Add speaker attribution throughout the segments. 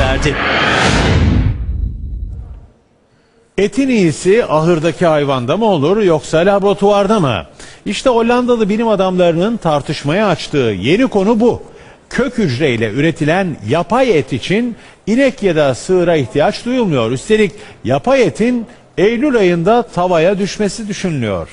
Speaker 1: verdi.
Speaker 2: Etin iyisi ahırdaki hayvanda mı olur yoksa laboratuvarda mı? İşte Hollandalı bilim adamlarının tartışmaya açtığı yeni konu bu. Kök hücreyle üretilen yapay et için inek ya da sığıra ihtiyaç duyulmuyor. Üstelik yapay etin Eylül ayında tavaya düşmesi düşünülüyor.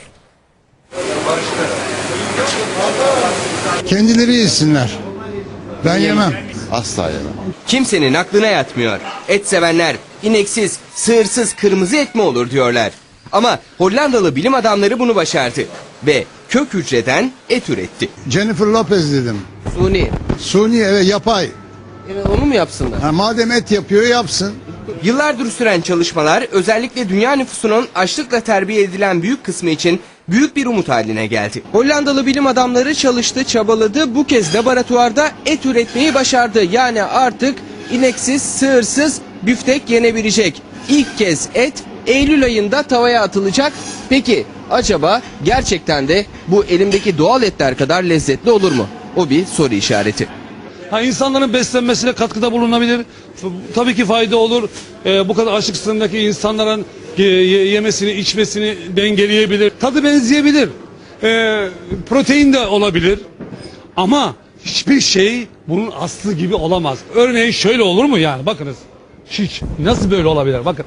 Speaker 3: Kendileri yesinler. Ben yemem.
Speaker 4: Asla yemem.
Speaker 5: Kimsenin aklına yatmıyor. Et sevenler ineksiz, sığırsız kırmızı et mi olur diyorlar. Ama Hollandalı bilim adamları bunu başardı ve kök hücreden et üretti.
Speaker 3: Jennifer Lopez dedim. Suni evet yapay.
Speaker 5: Onu mu yapsınlar?
Speaker 3: Ha, madem et yapıyor yapsın.
Speaker 5: Yıllardır süren çalışmalar özellikle dünya nüfusunun açlıkla terbiye edilen büyük kısmı için büyük bir umut haline geldi. Hollandalı bilim adamları çalıştı, çabaladı. Bu kez laboratuvarda et üretmeyi başardı. Yani artık ineksiz, sığırsız büftek yenebilecek. İlk kez et Eylül ayında tavaya atılacak. Peki acaba gerçekten de bu elimdeki doğal etler kadar lezzetli olur mu? O bir soru işareti.
Speaker 6: İnsanların beslenmesine katkıda bulunabilir. Tabii ki fayda olur. Bu kadar açlık sınırındaki insanların yemesini, içmesini dengeleyebilir. Tadı benzeyebilir. Protein de olabilir. Ama hiçbir şey bunun aslı gibi olamaz. Örneğin şöyle olur mu yani? Bakınız. Hiç. Nasıl böyle olabilir? Bakın.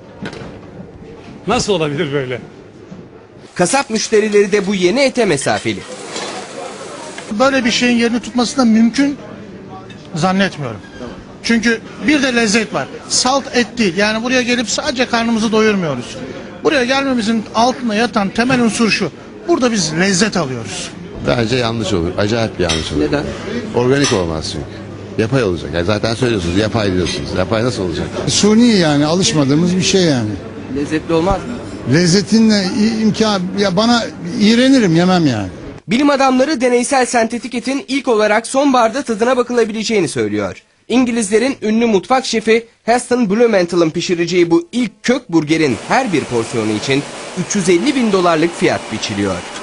Speaker 6: Nasıl olabilir böyle?
Speaker 5: Kasap müşterileri de bu yeni ete mesafeli.
Speaker 7: Böyle bir şeyin yerini tutması da mümkün zannetmiyorum. Çünkü bir de lezzet var. Salt et değil. Yani buraya gelip sadece karnımızı doyurmuyoruz. Buraya gelmemizin altında yatan temel unsur şu. Burada biz lezzet alıyoruz.
Speaker 4: Bence yanlış olur. Acayip bir yanlış olur.
Speaker 5: Neden?
Speaker 4: Organik olmaz çünkü. Yapay olacak. Yani zaten söylüyorsunuz yapay diyorsunuz. Yapay nasıl olacak?
Speaker 3: Suni yani alışmadığımız bir şey yani.
Speaker 5: Lezzetli olmaz mı?
Speaker 3: Lezzetinle imkan ya bana iğrenirim yemem yani.
Speaker 5: Bilim adamları deneysel sentetik etin ilk olarak sonbaharda tadına bakılabileceğini söylüyor. İngilizlerin ünlü mutfak şefi Heston Blumenthal'ın pişireceği bu ilk kök burgerin her bir porsiyonu için $350.000 fiyat biçiliyor.